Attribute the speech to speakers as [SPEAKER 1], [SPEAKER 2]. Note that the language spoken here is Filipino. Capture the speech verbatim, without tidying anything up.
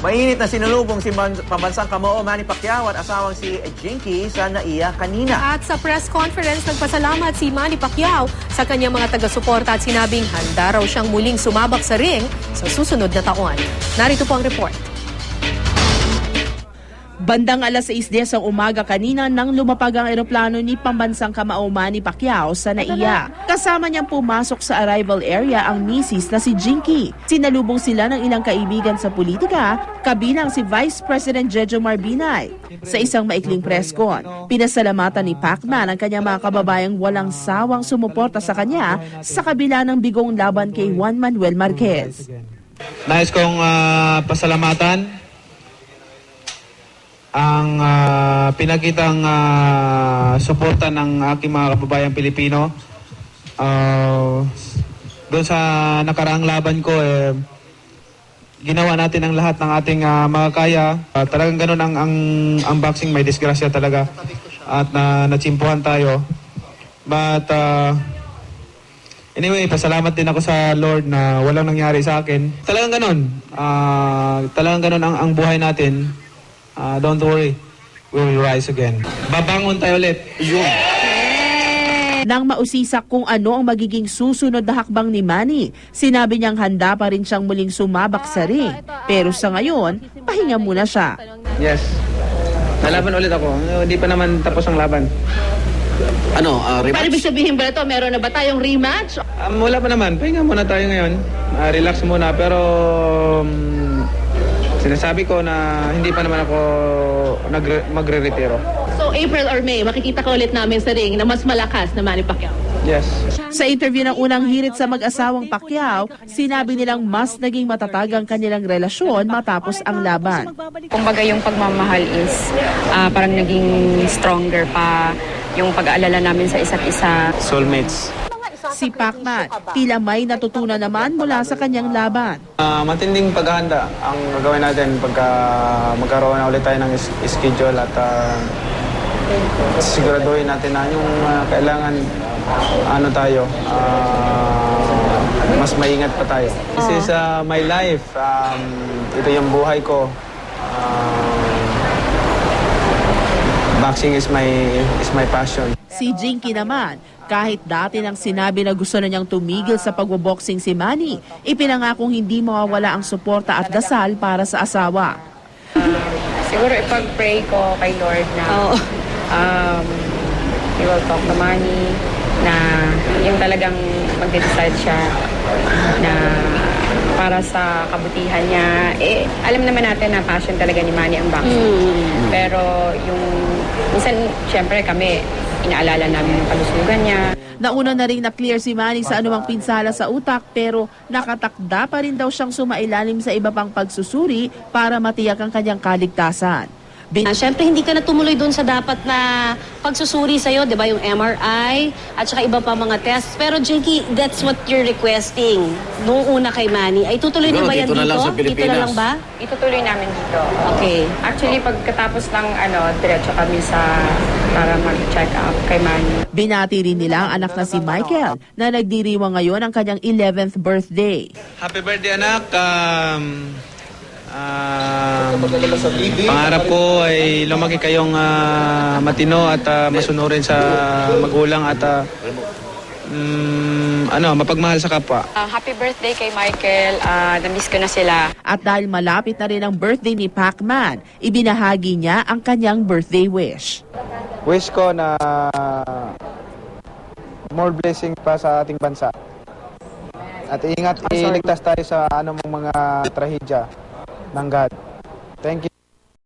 [SPEAKER 1] Mainit na sinulubong si pambansang Kamao Manny Pacquiao at asawang si Jinky sa NAIA kanina.
[SPEAKER 2] At sa press conference, nagpasalamat si Manny Pacquiao sa kanyang mga taga-suporta at sinabing handa raw siyang muling sumabak sa ring sa susunod na taon. Narito po ang report.
[SPEAKER 3] Bandang alas sais ng umaga kanina nang lumapag ang eroplano ni pambansang Kamao Manny Pacquiao sa NAIA. Kasama niyang pumasok sa arrival area ang misis na si Jinky. Sinalubong sila ng ilang kaibigan sa politika, kabilang si Vice President Jejomar Binay. Sa isang maikling press con, pinasalamatan ni Pacman ang kanyang mga kababayang walang sawang sumuporta sa kanya sa kabila ng bigong laban kay Juan Manuel Marquez.
[SPEAKER 4] Nais kong uh, pasalamatan ang uh, pinakitang uh, suporta ng aking mga kababayang Pilipino. Uh, doon sa nakaraang laban ko, eh, ginawa natin ang lahat ng ating uh, makakaya. Uh, talagang ganun ang, ang, ang boxing, may disgrasya talaga. At na, natsimpuhan tayo. But uh, anyway, pasalamat din ako sa Lord na walang nangyari sa akin. Talagang ganun. Uh, talagang ganun ang, ang buhay natin. Uh, don't worry, we will rise again. Babangon tayo ulit. Yun.
[SPEAKER 3] Nang mausisak kung ano ang magiging susunod na hakbang ni Manny, sinabi niyang handa pa rin siyang muling sumabak sa ring. Pero sa ngayon, pahinga muna siya.
[SPEAKER 4] Yes. Nalaban ulit ako. Hindi pa naman tapos ang laban.
[SPEAKER 5] Ano, uh, rematch?
[SPEAKER 6] Paano ibig sabihin ba ito? Meron na ba tayong rematch?
[SPEAKER 4] Um, wala pa naman. Pahinga muna tayo ngayon. Uh, relax muna. Pero um, sinasabi ko na hindi pa naman ako magre-retiro.
[SPEAKER 6] So April or May, makikita ka ulit namin sa ring na mas malakas na Manny Pacquiao.
[SPEAKER 4] Yes.
[SPEAKER 3] Sa interview ng unang hirit sa mag-asawang Pacquiao, sinabi nilang mas naging matatag ang kanilang relasyon matapos ang laban.
[SPEAKER 7] Kumbaga yung pagmamahal is uh, parang naging stronger pa yung pag-aalala namin sa isa't isa.
[SPEAKER 4] Soulmates.
[SPEAKER 3] Si Pacman, tila may natutunan naman mula sa kanyang laban.
[SPEAKER 4] Uh, matinding paghahanda ang gagawin natin pagka magkaroon na ulit tayo ng is schedule at uh, siguraduhin natin na yung uh, kailangan ano tayo, uh, mas maingat pa tayo. This is uh, my life. Um, ito yung buhay ko. Uh, boxing is my is my passion.
[SPEAKER 3] Si Jinky naman, kahit dati nang sinabi na gusto na niyang tumigil sa pagboboxing si Manny, ipinangakong hindi mawawala ang suporta at dasal para sa asawa.
[SPEAKER 7] Uh, siguro ipag-pray ko kay Lord na um, he will talk to Manny, na yung talagang mag-decide siya na para sa kabutihan niya. Eh, alam naman natin na passion talaga ni Manny ang boxing. Mm. Pero yung, minsan, syempre kami, inaalala namin yung kalusugan niya.
[SPEAKER 3] Nauna na rin na-clear si Manny sa anumang pinsala sa utak pero nakatakda pa rin daw siyang sumailalim sa iba pang pagsusuri para matiyak ang kanyang kaligtasan.
[SPEAKER 8] Bin- uh, Siyempre, hindi ka na tumuloy doon sa dapat na pagsusuri sa'yo, di ba? Yung M R I at saka iba pa mga tests. Pero, Jinky, that's what you're requesting noong una kay Manny. Ay, tutuloy na ba yan dito?
[SPEAKER 5] Na lang sa
[SPEAKER 8] dito na lang ba?
[SPEAKER 7] Itutuloy namin dito.
[SPEAKER 8] Okay.
[SPEAKER 7] Actually, pagkatapos ng ano, diretso kami sa para mag-check up kay Manny.
[SPEAKER 3] Binati rin nila ang anak na si Michael na nagdiriwang ngayon ang kanyang eleventh birthday.
[SPEAKER 4] Happy birthday, anak. Um, um, pangarap ko ay lumaki kayong uh, matino at uh, masunurin sa magulang at uh, um, ano, mapagmahal sa kapwa.
[SPEAKER 7] Uh, happy birthday kay Michael. Uh, na-miss ko na sila.
[SPEAKER 3] At dahil malapit na rin ang birthday ni Pacman, ibinahagi niya ang kanyang birthday wish.
[SPEAKER 4] Wish ko na more blessing pa sa ating bansa. At ingat, iligtas tayo sa anumang mga trahedya ng God. Thank you.